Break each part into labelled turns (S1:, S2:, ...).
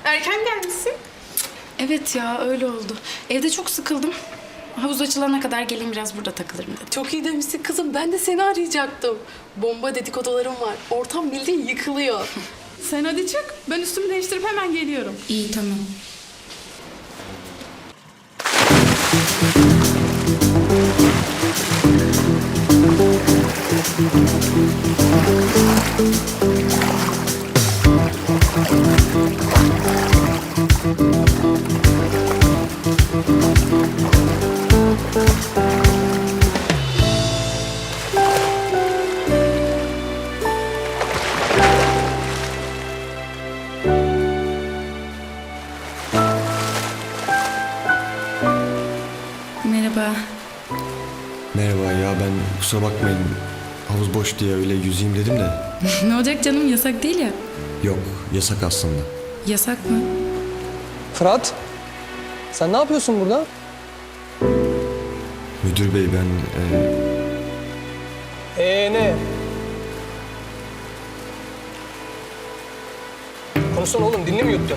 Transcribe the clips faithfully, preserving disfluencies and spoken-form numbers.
S1: Erken gelmişsin.
S2: Evet ya öyle oldu. Evde çok sıkıldım. Havuz açılana kadar geleyim biraz burada takılırım dedim.
S1: Çok iyi demişsin kızım. Ben de seni arayacaktım. Bomba dedikodularım var. Ortam bildiğin yıkılıyor.
S3: Sen hadi çık. Ben üstümü değiştirip hemen geliyorum.
S2: İyi tamam. Merhaba.
S4: Merhaba ya, ben kusura bakmayın, havuz boş diye öyle yüzeyim dedim de.
S2: Ne olacak canım, yasak değil ya.
S4: Yok, yasak aslında.
S2: Yasak mı?
S5: Fırat, sen ne yapıyorsun burada?
S4: Müdür bey, ben e,
S5: Ee ne? Konuşsana oğlum, dilini mi yuttun?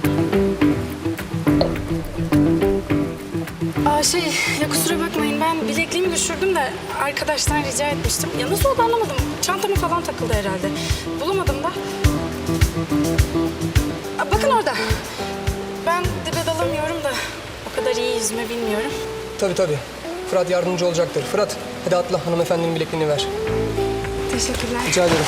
S2: Aa şey, ya kusura bakmayın ben bilekliğimi düşürdüm de arkadaştan rica etmiştim. Ya nasıl oldu anlamadım. Çantama falan takıldı herhalde. Bulamadım da. Aa, bakın orada. Ben dibe dalamıyorum da o kadar iyi yüzme bilmiyorum.
S5: Tabii tabii. Fırat yardımcı olacaktır. Fırat, hadi atla, hanımefendinin bilekliğini ver.
S2: Teşekkürler.
S5: Rica ederim.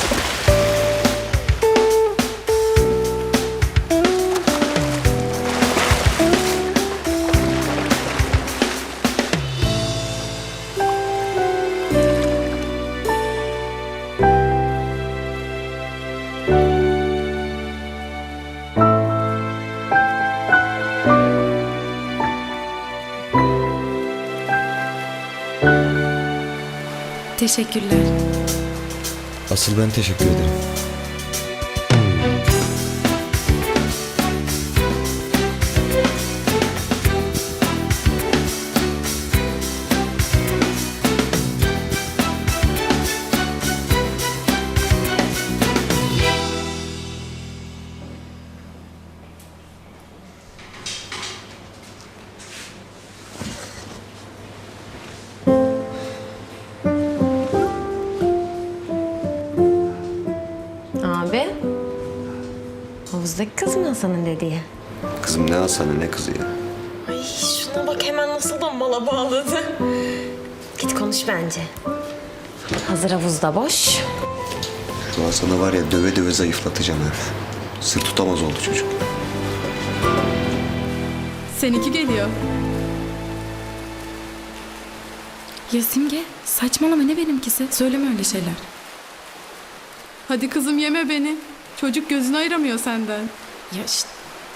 S2: Teşekkürler.
S4: asıl ben teşekkür ederim.
S6: Abi, havuzdaki kız mı Hasan'ın dediği?
S4: Kızım ne Hasan'ı ne kızı ya?
S6: Ay şuna bak hemen nasıl da mala bağladı. Git konuş bence. Hazır havuzda boş.
S4: Şu Hasan'ı var ya, döve döve zayıflatacağım ha. Sır tutamaz oldu çocuk.
S3: Seninki geliyor.
S2: Ya Simge saçmalama, ne benimkisi? Söyleme öyle şeyler.
S3: Hadi kızım yeme beni. Çocuk gözünü ayıramıyor senden.
S2: Ya işte.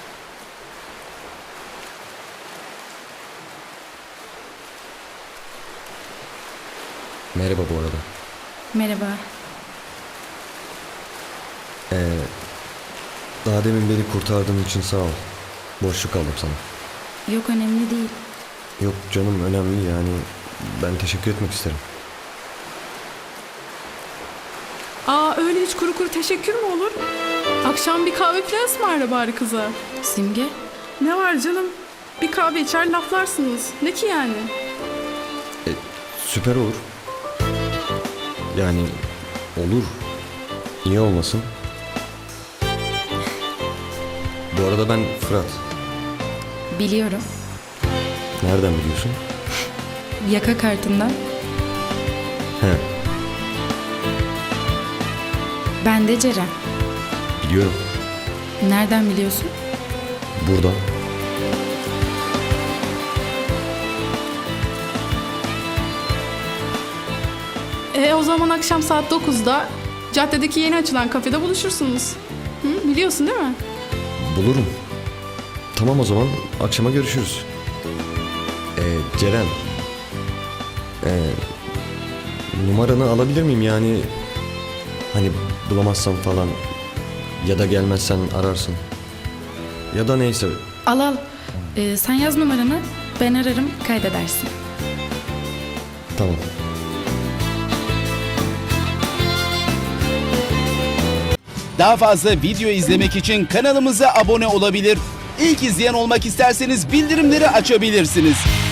S4: Merhaba bu arada.
S2: Merhaba.
S4: Ee, daha demin beni kurtardığın için sağ ol. Borçlu kaldım sana.
S2: Yok önemli değil.
S4: Yok canım, önemli yani. Ben teşekkür etmek isterim.
S3: Aa öyle hiç kuru kuru teşekkür mü olur? Akşam bir kahve falan ısmarla bari kıza.
S2: Simge.
S3: Ne var canım? Bir kahve içer laflarsınız. Ne ki yani?
S4: E, süper olur. Yani olur. Niye olmasın? Bu arada ben Fırat.
S2: Biliyorum.
S4: Nereden biliyorsun?
S2: Yaka kartından.
S4: He,
S2: Ben de Ceren.
S4: biliyorum.
S2: Nereden biliyorsun?
S4: Buradan.
S3: E o zaman akşam saat dokuzda caddedeki yeni açılan kafede buluşursunuz. Hı, biliyorsun değil mi?
S4: Bulurum. Tamam, o zaman akşama görüşürüz. Ee, Ceren. Ee, numaranı alabilir miyim yani? Hani bulamazsam falan ya da gelmezsen ararsın. Ya da neyse.
S2: Al al. Ee, sen yaz numaranı, ben ararım, kaydedersin.
S4: Tamam.
S7: Daha fazla video izlemek için kanalımıza abone olabilir. İlk izleyen olmak isterseniz bildirimleri açabilirsiniz.